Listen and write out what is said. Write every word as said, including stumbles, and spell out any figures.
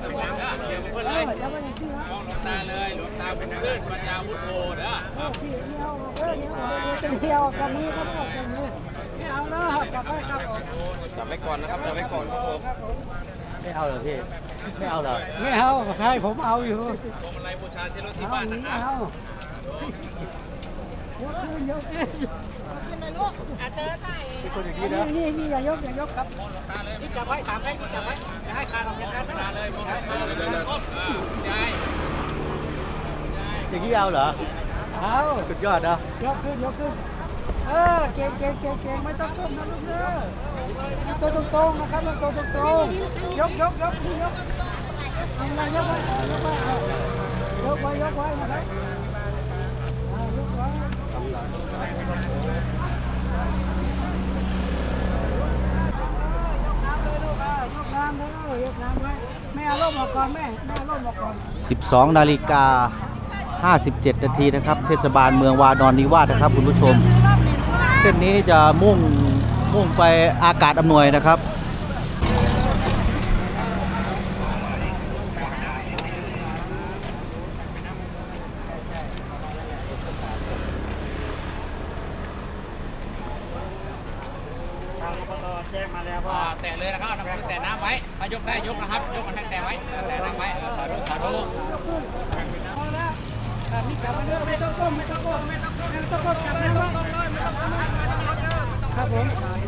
ตำแหน่งนะเดี๋ยวเพื่อนเลยมองหลวงตาเลยหลวงตาเป็นเพื่อนปัญญาวุฒิโธนะเที่ยวกับมือครับกับมือไม่เอาแล้วจับไว้ครับจับไว้ก่อนนะครับจับไว้ก่อนครับผมไม่เอาเหรอพี่ไม่เอาเหรอไม่เอาใครผมเอาอยู่พวงมาลัยบูชาที่รถที่บ้านนะครับยกขึ้นยกขึ้นขึ้นเลยลูกอาเจอไก่คนอย่างนี้นะนี่นี่อย่ายกอย่ายกครับนี่จับไว้สามแพ็คนี่จับไว้อย่าให้ขาดออกจากกันนะเลยมองตาเลยเลยยายอย่างนี้เอาเหรอเอาสุดยอดนะยกขึ้นยกขึ้นเออเก่งเก่งเก่งเก่งไม่ต้องก้มนะลูกเด้อตัวตรงๆนะครับตัวตรงๆยกยกยกนี่ยกทำอะไรยกไว้ยกไว้ยกไว้ยกไว้นะครับยกไว้ยกน้ำเลยยกน้ำไว้แม่เอาร่มออกก่อนแม่แม่เอาร่มออกก่อนสิบสองนาฬิกาห้าสิบเจ็ดนาทีนะครับเทศบาลเมืองวานอนนิวาสนะครับคุณผู้ชมเส้นนี้จะมุ่งมุ่งไปอากาศอำนวยนะครับแจ้งมาแล้วว่าแตะเลยนะครับน้ำแตะน้ำไว้ถ้ายกได้ยกนะครับยกมันแตะไว้แตะน้ำไว้สาธุสาธุเอาละนี่จับมาเด้อไม่ต้องก้มไม่ต้องก้มไม่ต้องก้มไม่ต้องก้มจับน้ำไว้ครับผม